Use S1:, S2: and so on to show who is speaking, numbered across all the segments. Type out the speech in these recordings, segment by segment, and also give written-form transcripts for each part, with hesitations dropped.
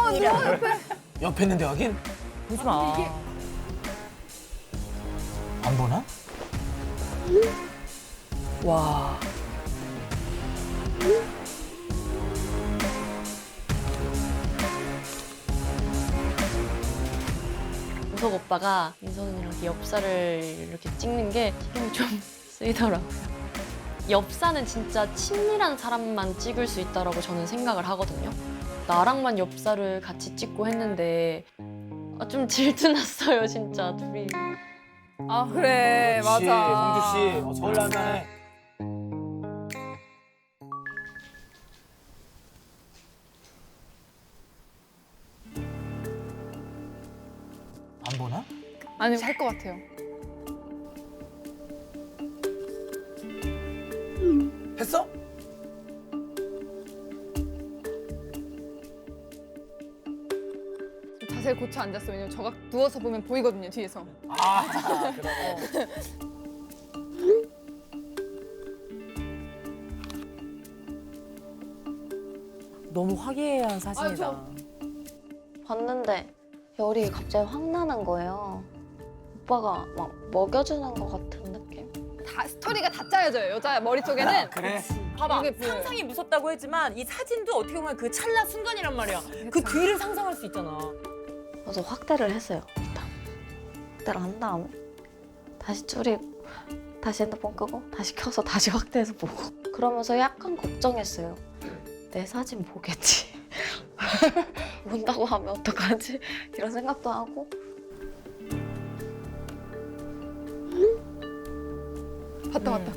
S1: 누워 옆에.
S2: 옆에 있는데 확인?
S3: 보지 마.
S2: 안 보나?
S3: 와.
S4: 우석 오빠가 민선이랑 엽사를 이렇게 찍는 게 신경이 좀 쓰이더라고요. 엽사는 진짜 친밀한 사람만 찍을 수 있다라고 저는 생각을 하거든요. 나랑만 엽사를 같이 찍고 했는데 좀 질투났어요, 진짜 둘이.
S1: 아 그래
S2: 그렇지,
S1: 맞아.
S2: 성주 씨. 서울 나네. 안 보나?
S1: 아니 할 것 같아요.
S2: 했어?
S1: 자세를 고쳐 앉았어. 왜냐면 저가 누워서 보면 보이거든요 뒤에서.
S2: 아, 그래.
S3: 너무 화기애애한 사진이다.
S1: 아,
S4: 봤는데 열이 갑자기 확 나는 거예요. 오빠가 막 먹여주는 것 같은 느낌?
S1: 다 스토리가 다 짜여져요. 여자 머릿속에는.
S2: 그래.
S3: 봐봐,
S1: 이게 보여요.
S3: 상상이 무섭다고 했지만 이 사진도 어떻게 보면 그 찰나 순간이란 말이야. 그 뒤를 상상할 수 있잖아.
S4: 그래서 확대를 했어요, 일단. 확대를 한 다음에 다시 줄이고 다시 핸드폰 끄고 다시 켜서 다시 확대해서 보고 그러면서 약간 걱정했어요. 내 사진 보겠지. 본다고 하면 어떡하지? 이런 생각도 하고
S1: 봤다 봤다.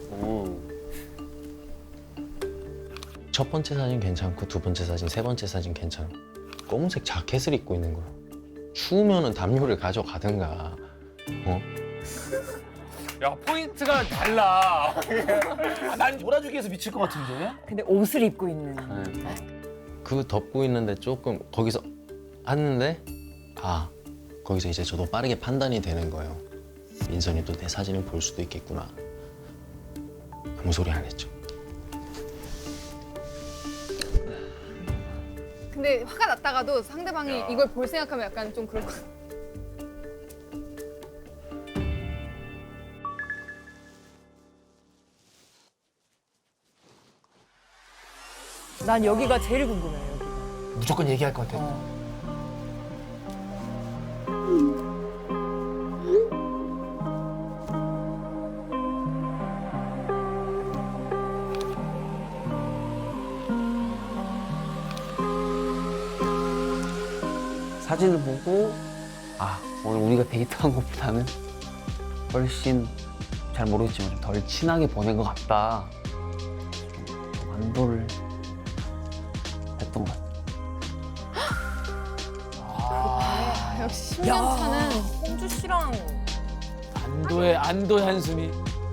S5: 첫 번째 사진 괜찮고 두 번째 사진, 세 번째 사진 괜찮아. 검은색 자켓을 입고 있는 거야. 추우면은 담요를 가져가든가. 어?
S2: 야, 포인트가 달라. 난 몰아주기 위해서 미칠 것 같은데?
S3: 근데 옷을 입고 있는.
S5: 그 덮고 있는데 조금 거기서 하는데 거기서 이제 저도 빠르게 판단이 되는 거예요. 민선이도 내 사진을 볼 수도 있겠구나. 아무 소리 안 했죠.
S1: 근데 화가 났다가도 상대방이 이걸 볼 생각하면 약간 좀 그럴 것 같아.
S3: 난 여기가 제일 궁금해. 여기가.
S2: 무조건 얘기할 것 같아.
S6: 사진을 보고 오늘 우리가 데이트한 것보다는 훨씬 잘 모르겠지만 좀 덜 친하게 보낸 것 같다. 좀 안도를 했던 것 같아요.
S1: 역시 10년 차는
S3: 홍주 씨랑
S2: 안도의 한숨이.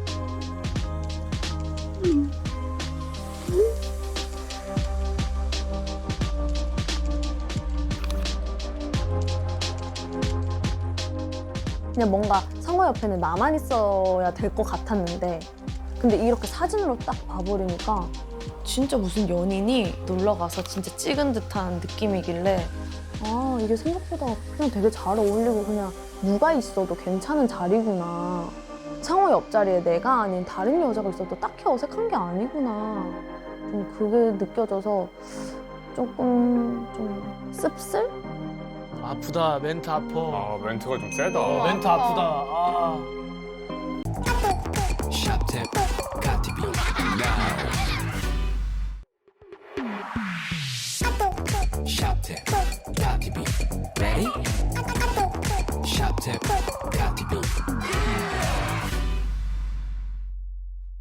S7: 그냥 뭔가 성호 옆에는 나만 있어야 될 것 같았는데 근데 이렇게 사진으로 딱 봐버리니까
S4: 진짜 무슨 연인이 놀러 가서 진짜 찍은 듯한 느낌이길래
S7: 아 이게 생각보다 그냥 되게 잘 어울리고 그냥 누가 있어도 괜찮은 자리구나. 성호 옆자리에 내가 아닌 다른 여자가 있어도 딱히 어색한 게 아니구나. 좀 그게 느껴져서 조금 좀 씁쓸?
S2: 아프다, 멘트 아파.
S8: 아, 멘트가 좀 세다.
S2: 멘트 아프다. 아.
S9: Ready? Shop tip, got to be.